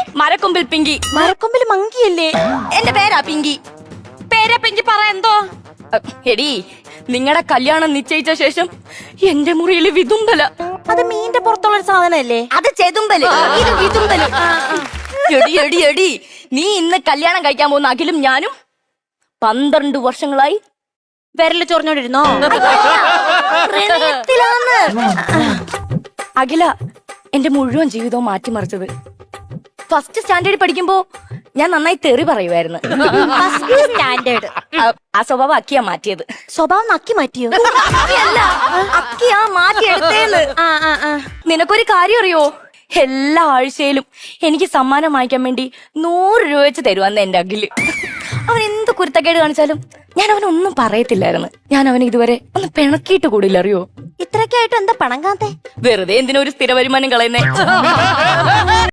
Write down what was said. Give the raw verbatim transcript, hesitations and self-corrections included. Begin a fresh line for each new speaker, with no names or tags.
മരക്കൊമ്പിൽ പിങ്കി.
മരക്കൊമ്പിൽ മങ്കിയല്ലേ?
എന്റെ പേരാ പിങ്കി.
പേരാ പിങ്കി, പറ എന്തോ.
എടി, നിങ്ങളുടെ കല്യാണം നിശ്ചയിച്ച ശേഷം എന്റെ മുറിയിൽ വിതുമ്പല.
അത് മീന്റെ പുറത്തുള്ള ഒരു സാധനല്ലേ?
അത് ചെതുമ്പല്, ഇത് വിതുമ്പല്. എടി എടി എടി നീ ഇന്ന് കല്യാണം കഴിക്കാൻ പോകുന്ന അഖിലും ഞാനും പന്ത്രണ്ട് വർഷങ്ങളായി
വിരല് ചൊറിഞ്ഞോണ്ടിരുന്നോ?
അഖില എന്റെ മുഴുവൻ ജീവിതവും മാറ്റിമറിച്ചത്. ഫസ്റ്റ് സ്റ്റാൻഡേർഡിൽ പഠിക്കുമ്പോ ഞാൻ നന്നായി തെറി പറയുമായിരുന്നു.
സ്റ്റാൻഡേർഡ്
ആ സ്വഭാവം അക്കിയാ മാറ്റിയത്.
സ്വഭാവം നക്കി മാറ്റിയോ?
അല്ല, അക്കിയാ മാറ്റിയെടുത്തേന്ന്. നിനക്കൊരു കാര്യം അറിയോ? എല്ലാ ആഴ്ചയിലും എനിക്ക് സമ്മാനം വാങ്ങിക്കാൻ വേണ്ടി നൂറ് രൂപ വെച്ച് തരുവന്ന് എന്റെ അഖില്. അവൻ എന്ത് കുരുത്തക്കേട് കാണിച്ചാലും ഞാൻ അവനൊന്നും പറയത്തില്ലായിരുന്നു. ഞാൻ അവന് ഇതുവരെ ഒന്ന് പിണക്കിയിട്ട് കൂടില്ല, അറിയോ?
ഇത്രയൊക്കെ ആയിട്ട് എന്താ പണം കാത്തേ?
വെറുതെ എന്തിനൊരു സ്ഥിര വരുമാനം കളയുന്നേ.